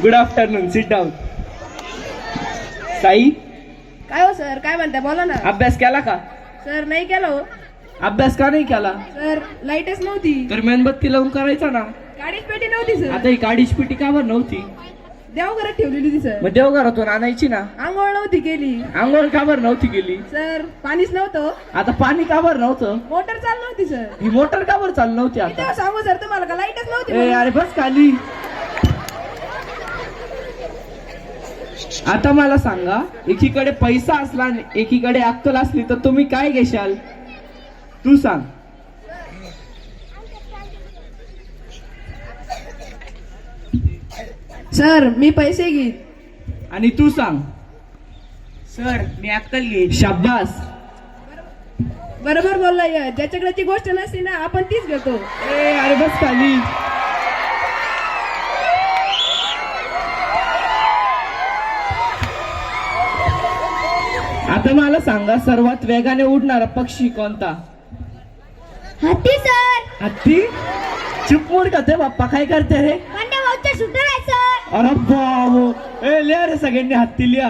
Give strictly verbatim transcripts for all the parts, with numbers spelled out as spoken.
Good afternoon, sit down. Sai, काय हो sir, काय म्हणताय, बोला ना. अभ्यास केला का? सर नाही केलं हो. अभ्यास का नाही केला? सर लाईटच नव्हती. तर मेणबत्ती लावून करायचा ना. गाडीच पेटी नव्हती सर. आता ही गाडीची पेटी का बरं नव्हती? देवघरात ठेवलेली होती सर. मग देवघरातून आणायची ना. आंघोळ नव्हती केली. आंघोळ का बरं नव्हती गेली? सर पाणीच नव्हतं. आता पाणी का बरं नव्हतं? मोटर चालू नव्हती सर. ही मोटर का बरं चालू नव्हती मी आता? तेव्हा सांगू सर तुम्हाला का लाईटच नव्हती ए म्हणून. अरे बस खाली. आता मला सांगा, एकीकडे पैसा असला आणि एकीकडे अक्कल असली तर तुम्ही काय घेशाल? तू सांग. सर मी पैसे घेईन. आणि तू सांग. सर मी अक्कल घेईन. शाब्बास. बरोबर बोललाय. ज्याच्याकडे ती गोष्ट नसते ना आपण तीच घेतो. ए अरे बस खाली. आता मला सांगा, सर्वात वेगाने उडणारा पक्षी कोणता? हत्ती सर. हत्ती? चुप मूड का ते बाप्पा, काय करते रे? मंडे भाऊचा शूटर आहे सर. अरे बाबो, ए लिहा रे सगळ्यांनी हत्ती लिहा.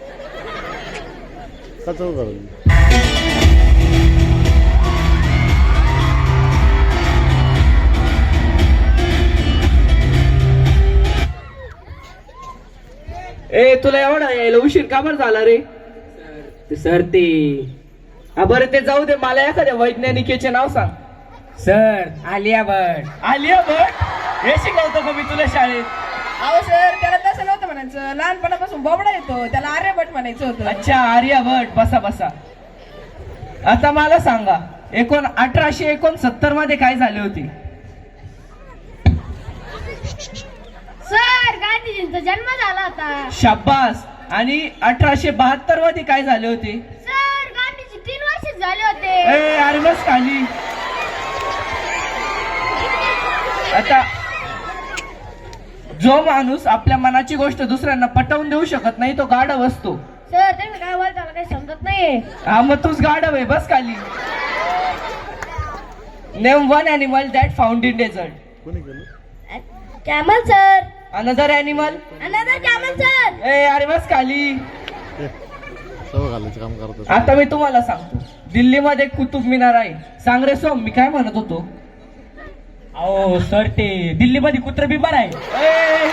ए तुला एवढा यायला उशीर का बरं झाला रे? सर ते हा बरं ते जाऊ दे, मला एखाद्या वैज्ञानिकेचे नाव सांग. सर आलिया भट. आलिया भट? हे शिकवतो का मी तुला शाळेत? अहो सर त्याला तसं नव्हतं म्हणायचं. लहानपणापासून बोबडा येतो, त्याला आर्यभट म्हणायचं होतं. अच्छा, आर्या भट. बसा बसा. आता मला सांगा, एकोण अठराशे एकोणसत्तर मध्ये काय झाले होते? सर गांधीजींचा जन्म झाला होता. शाब्बास. आणि अठराशे बहात्तर मध्ये काय झाले होते? सर गांधीजी तीन वर्ष झाले होते. ए अरे बस खाली. आता जो माणूस आपल्या मनाची गोष्ट दुसऱ्यांना पटवून देऊ शकत नाही तो गाढव असतो. सर तुम्ही काय बोलता मला काही समजत नाहीये. हा मग तूच गाढव आहे. बस खाली. Name one animal that found in desert. Camel sir. Another animal. Another camel sir. ए अरे बस खाली. काम करतो. आता मी तुम्हाला सांगतो, दिल्लीमध्ये कुतुब मिनार आहे. सांग रे सोम, मी काय म्हणत होतो? अहो सर ते दिल्लीमध्ये कुत्र बिमार आहे. ए!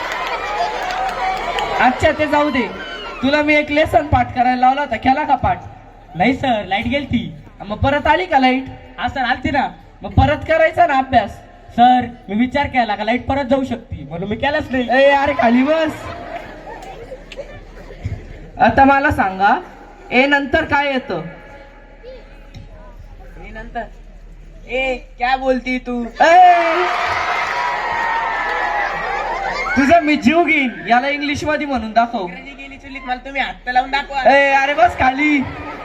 अच्छा ते जाऊ दे. तुला मी एक लेसन पाठ करायला लावला होता, केला का पाठ? नाही सर लाईट गेलती. मग परत आली का लाईट? हा सर आलती ना. मग परत करायचा ना अभ्यास. सर मी विचार केला का लाईट परत जाऊ शकते म्हणून मी केलाच नाही. ए अरे खाली बस. आता मला सांगा, ए नंतर काय येतं? नंतर ए काय बोलती तू? ए! तुझा मी जीव घेईन. याला इंग्लिश मध्ये म्हणून दाखव. गेली चुलीत मला तुम्ही हात लावून दाखवा. ए अरे बस खाली.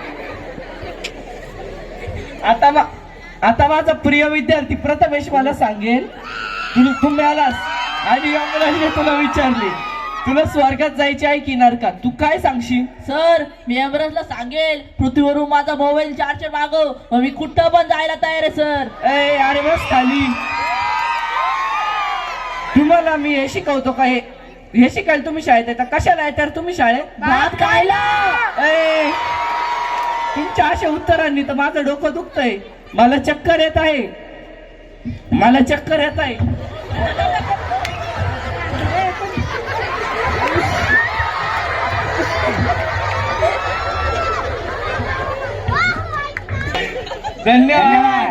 आता मा आता माझा प्रिय विद्यार्थी प्रथमेश मला सांगेल, तू तू मिळालास आणि या मुलाने तुला विचारले तुला स्वर्गात जायचे आहे की नरकात, तू काय सांगशील? सर मी एव्हरेस्टला सांगेल पृथ्वीवरून माझा मोबाईल चार्जर मागव, मग मी कुठं पण जायला तयार आहे सर. ए अरे बस खाली. तुम्हाला मी हे शिकवतो का? हे हे शिकायला तुम्ही शाळेत येता. कशाला येतात तुम्ही शाळेत? भात खायला. ए तुमच्या अशा उत्तरांनी तर माझं डोकं दुखतंय. मला चक्कर येत आहे. मला चक्कर येत आहे. धन्यवाद.